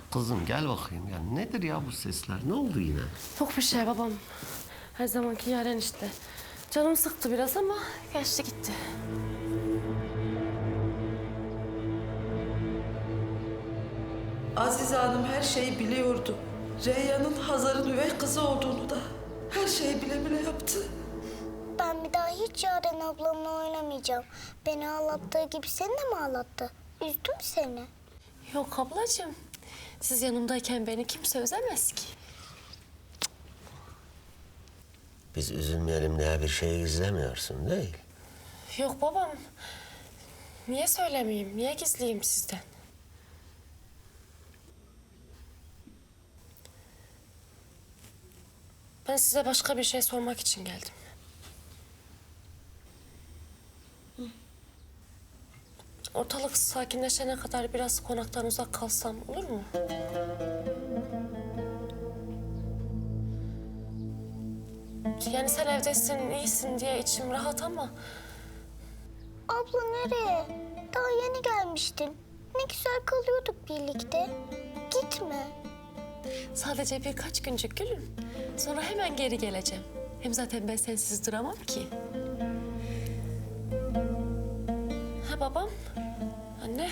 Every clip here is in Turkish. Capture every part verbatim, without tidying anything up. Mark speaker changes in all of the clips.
Speaker 1: Kızım gel bakayım ya. Nedir ya bu sesler? Ne oldu yine?
Speaker 2: Yok bir şey babam. Her zamanki Yaren işte. Canım sıktı biraz ama geçti gitti.
Speaker 3: Azize Hanım her şeyi biliyordu. Reyhan'ın Hazar'ın üvey kızı olduğunu da her şeyi bile bile yaptı.
Speaker 4: Ben bir daha hiç Yaren ablamla oynamayacağım. Beni ağlattığı gibi seni de mi ağlattı? Üzdüm seni.
Speaker 2: Yok ablacığım. Siz yanımdayken beni kimse üzemez ki.
Speaker 1: Biz üzülmeyelim diye bir şey gizlemiyorsun değil.
Speaker 2: Yok babam. Niye söylemeyeyim? Niye gizleyeyim sizden? Ben size başka bir şey sormak için geldim. Ortalık sakinleşene kadar biraz konaktan uzak kalsam olur mu? Yani sen evdesin, iyisin diye içim rahat ama...
Speaker 4: Abla nereye? Daha yeni gelmiştin. Ne güzel kalıyorduk birlikte. Gitme.
Speaker 2: Sadece birkaç güncük gülüm. Sonra hemen geri geleceğim. Hem zaten ben sensiz duramam ki. Ha babam, anne.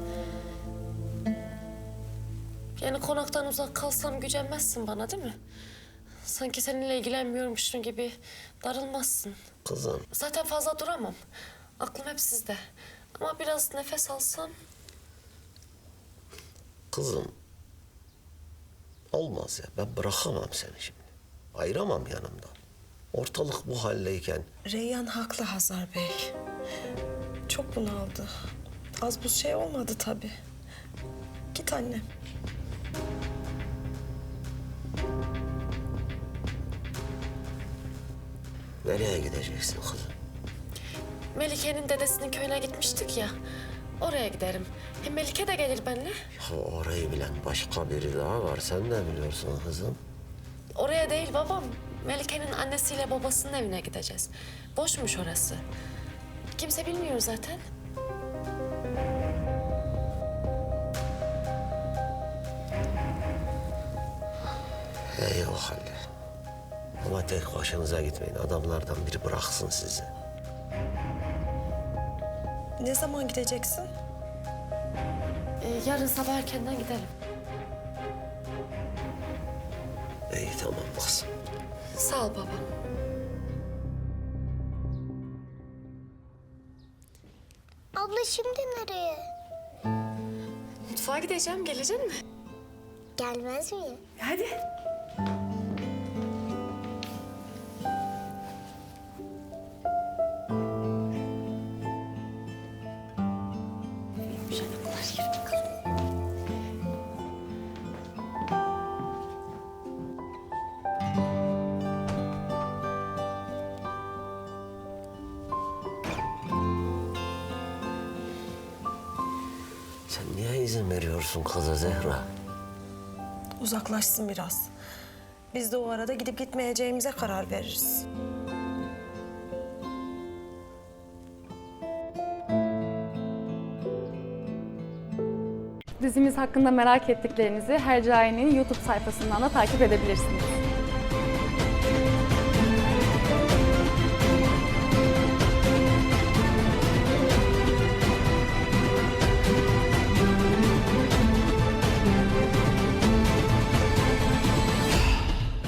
Speaker 2: Yani konaktan uzak kalsam gücenmezsin bana değil mi? Sanki seninle ilgilenmiyormuşsun gibi darılmazsın.
Speaker 1: Kızım.
Speaker 2: Zaten fazla duramam. Aklım hep sizde. Ama biraz nefes alsam...
Speaker 1: Kızım. Olmaz ya. Ben bırakamam seni şimdi. Ayıramam yanımdan. Ortalık bu haldeyken.
Speaker 3: Reyhan haklı Hazar Bey. Çok bunaldı. Az bu şey olmadı tabii. Git annem.
Speaker 1: Nereye gideceksin kızım?
Speaker 2: Melike'nin dedesinin köyüne gitmiştik ya. Oraya giderim. Hem Melike de gelir benimle.
Speaker 1: Ya orayı bilen başka biri daha var. Sen de biliyorsun kızım.
Speaker 2: Oraya değil babam. Melike'nin annesiyle babasının evine gideceğiz. Boşmuş orası. Kimse bilmiyor zaten.
Speaker 1: İyi o halde. Ama tek başınıza gitmeyin. Adamlardan biri bıraksın sizi.
Speaker 3: Ne zaman gideceksin?
Speaker 2: Ee, yarın sabah erkenden gidelim.
Speaker 1: İyi tamam kızım.
Speaker 2: Sağ ol baba.
Speaker 4: Abla şimdi nereye?
Speaker 2: Mutfağa gideceğim. Gelecek mi?
Speaker 4: Gelmez miyim?
Speaker 2: Hadi.
Speaker 1: Sen niye izin veriyorsun kıza Zehra?
Speaker 3: Uzaklaşsın biraz. Biz de o arada gidip gitmeyeceğimize karar veririz.
Speaker 5: Dizimiz hakkında merak ettiklerinizi Hercai'nin YouTube sayfasından da takip edebilirsiniz.